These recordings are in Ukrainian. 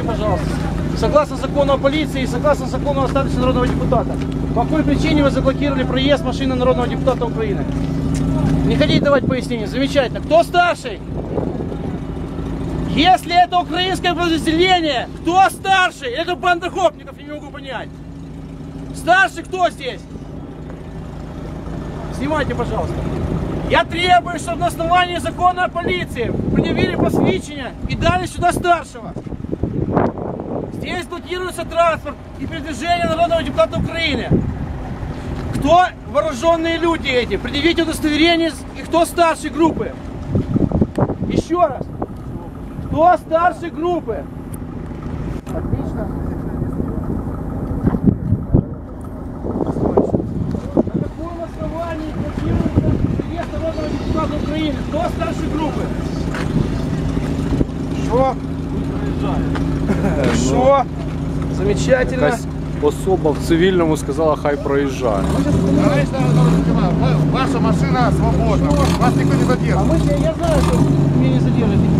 пожалуйста. Согласно закону о полиции и согласно закону о статусе народного депутата. По какой причине вы заблокировали проезд машины народного депутата Украины? Не хотите давать пояснения? Замечательно. Кто старший? Если это украинское подразделение, кто старший? Это банда гопников, я не могу понять. Старший кто здесь? Снимайте, пожалуйста. Я требую, чтобы на основании закона о полиции предъявили посвящение и дали сюда старшего. Здесь блокируется транспорт и передвижение народного депутата Украины. Кто вооруженные люди эти? Предъявите удостоверение и кто старшей группы. Еще раз. Кто старшей группы? Отлично. На каком основании блокируется приезд народного депутата Украины? Кто старшей группы? Что? Що? Замечательно. Якась особа в цивільному сказала, хай проїжджає. Ваша машина свободна. Вас никто не задержит. А мы, я знаю, что меня не задержите.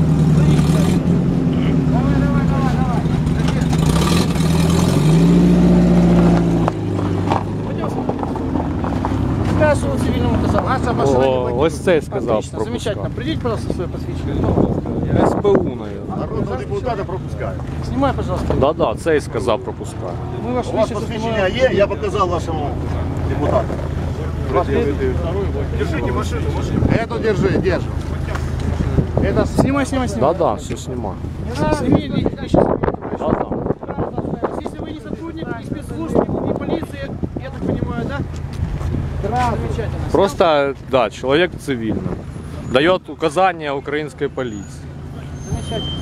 Давай. Что цивильному сказал? Ваша машина О, ось цей сказав Отлично, замечательно. пропускати. Придите, пожалуйста, свое посвящение. СБУ, наверное. Народного депутата пропускають. Снимай, пожалуйста. Да-да, цей сказав пропускати. Мы ваше У вас личное посвящення є, я показав вашому депутату. Держите машину. Эту держи, держи. Это Снимай, снимай, снимай. Да-да, все знімаю. Сними личность. Да-да. Если вы не сотрудник ни спецслужб, ни полиции, я так понимаю, да? Да, замечательно. Просто, да, человек в цивильном. Дает указания украинской полиции. Замечательно.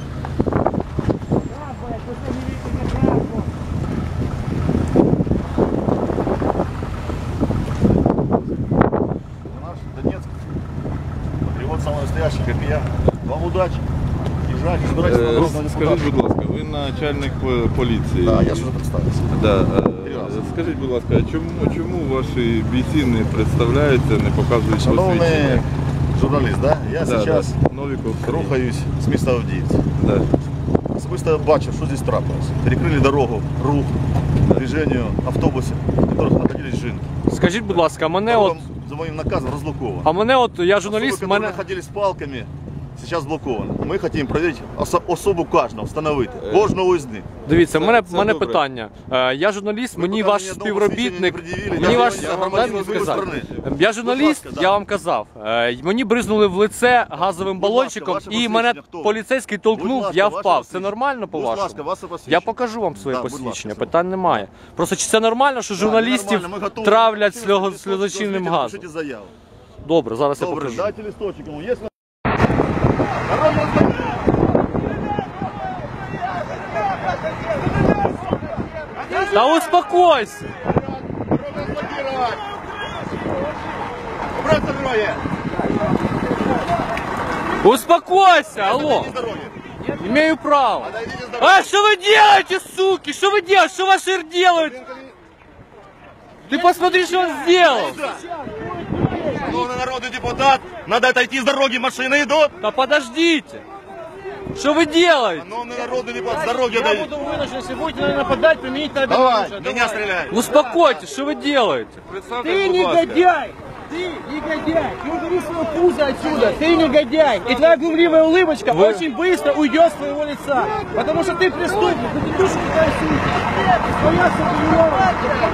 наш Донецк. Патриот самый настоящий, как и я. Вам удачи. Езжайте, собирайтесь на народного Скажіть, депутата. будь ласка, ви начальник поліції. Да, я ж уже представился. Да. Скажіть, будь ласка, чому ваші бійці не представляються, не показують Шановний посвідчення? журналіст, да? Я зараз Новіков Сергій. рухаюсь з міста Авдіївці. Да. Особисто бачив, що здесь трапилось. Перекрили дорогу, рух, движению автобусів, в которых находились жінки. Скажіть, будь ласка, мене от, За моїм наказом разблоковано. а мене от, я журналіст, Особи, мене... которые находились с палками, сейчас блоковано. Мы хотим проверить особу кожного, встановити. Кожного із них. Дивіться, Це мене добре. питання. Я журналіст, мені поки ваш мені співробітник, одного посвідчення не мені пред'явили, ваш, я громадянин дайте мені другої сказати. сторони. Я журналіст, Будь ласка, я да. вам казав, мені бризнули в лице газовим Будь ласка, балончиком ваше і мене посвідчення хто? поліцейський толкнув, Будь ласка, я ваше впав. Це посвідчення. нормально Будь ласка, по-вашому? ваше посвідчення. Я покажу вам своє Да, будь ласка, посвідчення, все. питань немає. Просто чи це нормально, що журналістів Нормально, ми готові. травлять Пишіть сльозочинним листочок, газом? пишіть заяву. Добре, зараз я Добре, покажу. дайте листочок ему. Есть... Да успокойся! Убрать с дороги! Успокойся, алло! Отойдите с дороги! Имею право. Отойдите с дороги! А что вы делаете, суки? Что вы делаете? Что ваш ир делает? Ты посмотри, что он сделал. Шановний народный депутат, надо отойти с дороги, машины идут! Да подождите. Что вы делаете? Шановний народный депутат, с дороги Я отойди! буду вынужден, если будете наверное, нападать, применить на Давай, меня стреляй! Успокойтесь, что вы делаете? Ты негодяй! Ты негодяй! Ты убери свое пузо отсюда! Ты негодяй! И твоя глумливая улыбочка очень быстро уйдет с твоего лица! Потому что ты преступник! Ты душу кидаешь своя субъявка!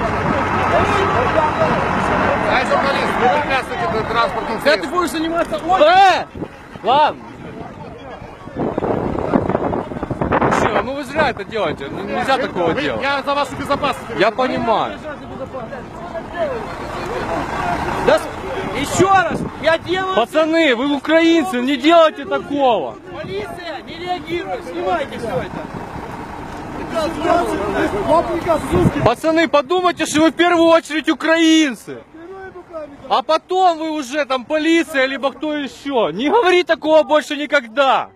Ай, журналист, вы препятствуете транспортным Когда ты будешь заниматься... Ладно. Мужчина, ну вы зря это делаете. Нельзя такого делать. Я за вашу безопасность! Я понимаю. Да, еще раз! Я делаю... Пацаны, вы украинцы, не делайте такого. Полиция не реагирует! Снимайте все это! Пацаны, подумайте, что вы в первую очередь украинцы. А потом вы уже там полиция, либо кто еще. Не говори такого больше никогда.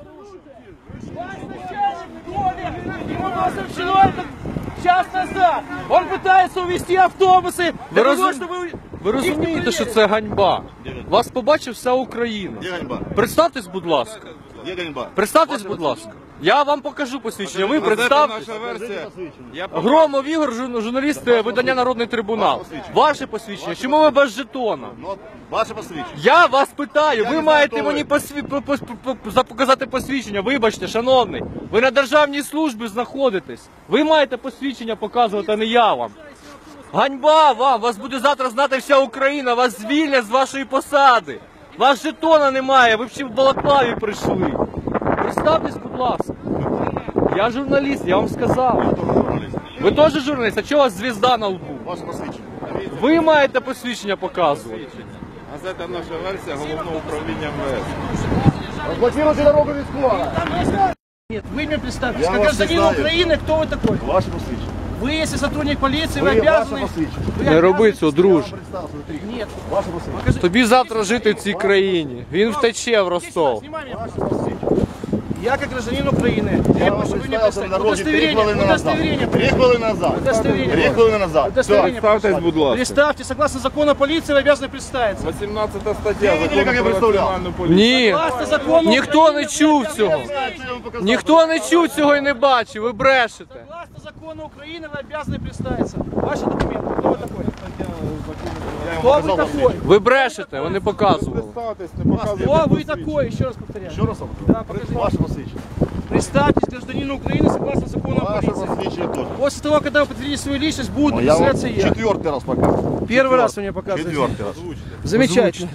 Ему было сообщено это час назад. Он пытается увезти автобусы. Ви, для того, чтобы ви розумієте, що це ганьба? Вас побачив вся Україна. Где ганьба? Представтесь, будь ласка. Є ганьба. Представтесь, будь ласка. Я вам покажу посвідчення. Ви Газета представтесь. «Наша версія». Я Громов Ігор, журналіст видання «Народний трибунал». Ваше посвідчення. Чому ви без жетона? Ну, ваше посвідчення. Я вас питаю, ви не маєте знаю, мені показати посвідчення. Вибачте, шановний, ви на державній службі знаходитесь. Ви маєте посвідчення показувати, а не я вам. Ганьба вам! Вас буде завтра знати вся Україна, вас звільнять з вашої посади. Вас жетона немає, ви б ще в балаклаві прийшли. Представтесь, будь ласка. Я журналіст, я вам сказав. Ви теж журналіст, а чого у вас звізда на лбу? Ваше посвідчення. Ви маєте посвідчення показувати. Газета «Наша версія» Головного управління МВС. Розблокируйте дорогу військова. Нет, вы мне представьтесь, Я как вас не гражданин знаю. Украины, кто вы такой? Ваше посвідчення. Вы, если сотрудник полиции, вы Ви ваше обязаны... посвідчення. вы Не обязаны- роби цього, друже. Нет. Ваше посвідчення. Тобі завтра жити в цій країні. Він втече в Ростов. Снимай меня, пожалуйста. Я, как гражданин Украины, Я требую, вам чтобы вы мне представився на представили. дорозі 3 хвилини назад. Удостоверение. 3 хвилини назад. Удостоверение. 3 хвилини назад. Удостоверение. Представтесь, будь ласка. Представьте, согласно закону о полиции, вы обязаны представиться. 18 стаття Ви видели, як я Закону про представляв? національну поліцію. Ні, Согласно закону ніхто Украины, не вы чув обязаны цього. представиться. Ніхто не чув цього і не бачив, ви брешете. Согласно закону Украины, вы обязаны представиться. Ваши документы. Кто вы такой? Кто вы такой? Ви брешете, вони показували. Представтесь, не показуйте Кто вы посвідчення. такой? Еще раз повторяю. Ще раз вам Да, кажу. покажите. Ваше посвідчення. Представьтесь гражданину Украины согласно закону о Ваше полиции. посвідчення теж. После того, когда вы подтвердите свою личность, буду Я вам представляться я. 4-й раз показую. Первый раз вы мне показываете. 4-й раз. Замечательно.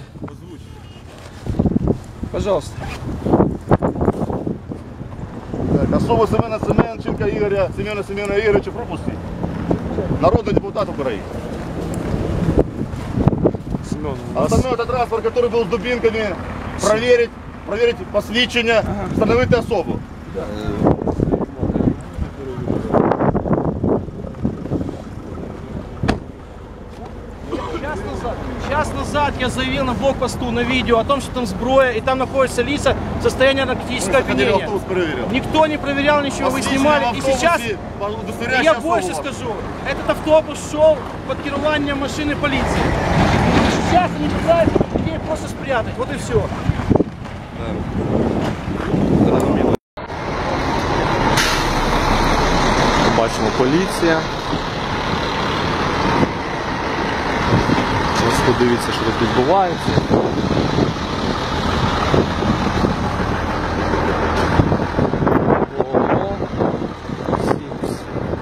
Пожалуйста. Так, особу Семена Семенченка Ігоря, Семена Ігоровича пропустіть. Народний депутат України. Остальной это транспорт, который был с дубинками, проверить посвідчення, встановити особу. Час назад я заявил на блокпосту на видео о том, что там сброя и там находятся лица в состоянии наркотического Ходили, опьянения. автобус перевірив. Никто не проверял ничего, вы Посвідчення снимали. в И сейчас автобусі, удостоверяючи я особу больше вашу. скажу. Этот автобус шел под керованием машины полиции. Сейчас они пытаются людей просто спрятать. Вот и все. Бачимо, поліція. Ось подивіться, що тут відбувається. Ого. Сімс.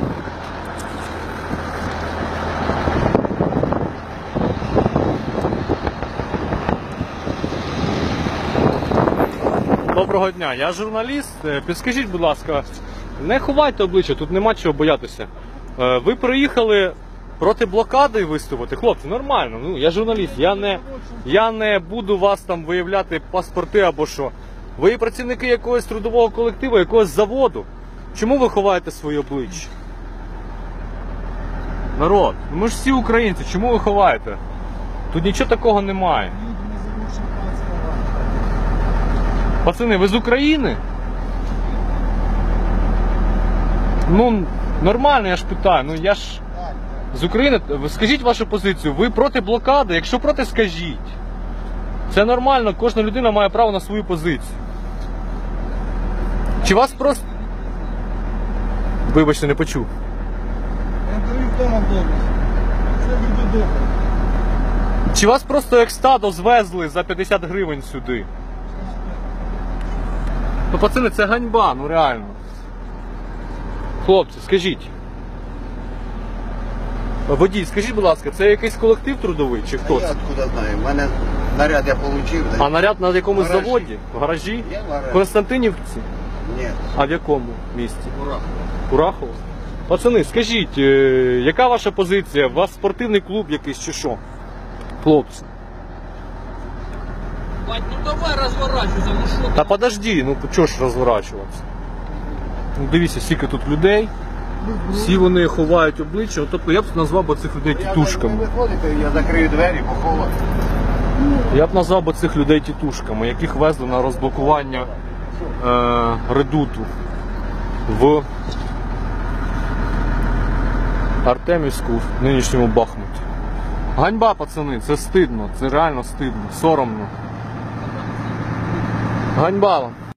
Доброго дня, я журналіст. Підскажіть, будь ласка, не ховайте обличчя, тут нема чого боятися. Ви приїхали проти блокади виступити? Хлопці, нормально, ну я журналіст, я не буду вас там виявляти паспорти або що. Ви працівники якогось трудового колективу, якогось заводу. Чому ви ховаєте своє обличчя? Народ, ну ми ж всі українці, чому ви ховаєте? Тут нічого такого немає. Пацани, ви з України? Ну, нормально, я ж питаю. Ну я ж з України. Скажіть вашу позицію. Ви проти блокади? Якщо проти, скажіть. Це нормально, кожна людина має право на свою позицію. Чи вас просто... Вибачте, не почув. Я даю вдома вдома. Це буде добре. Чи вас просто як стадо звезли за 50 гривень сюди? Ну, пацани, це ганьба, ну реально. Хлопці, скажіть. Водій, скажіть, будь ласка, це якийсь колектив трудовий чи хто Я це? откуда знаю. У мене наряд я отримав. А наряд на якомусь Гаражі. заводі? В гаражі? Я в гаражі. В Константинівці? Ні, А в якому місті? ура. Курахово? Пацани, скажіть, яка ваша позиція? У вас спортивний клуб якийсь чи що? Хлопці. Бать, ну давай разворачивайся, ну что Та подожди, ну чого ж розворачуватися? Ну, дивіться, скільки тут людей. Всі вони ховають обличчя. Тобто я б назвав би цих людей Ви тітушками. виходите, я закрию двері, поховаю. Я б назвав би цих людей тітушками, яких везли на розблокування редуту в Артемівську, в нинішньому Бахмуті. Ганьба, пацани, це стидно, це реально стидно, соромно. Ганьба вам.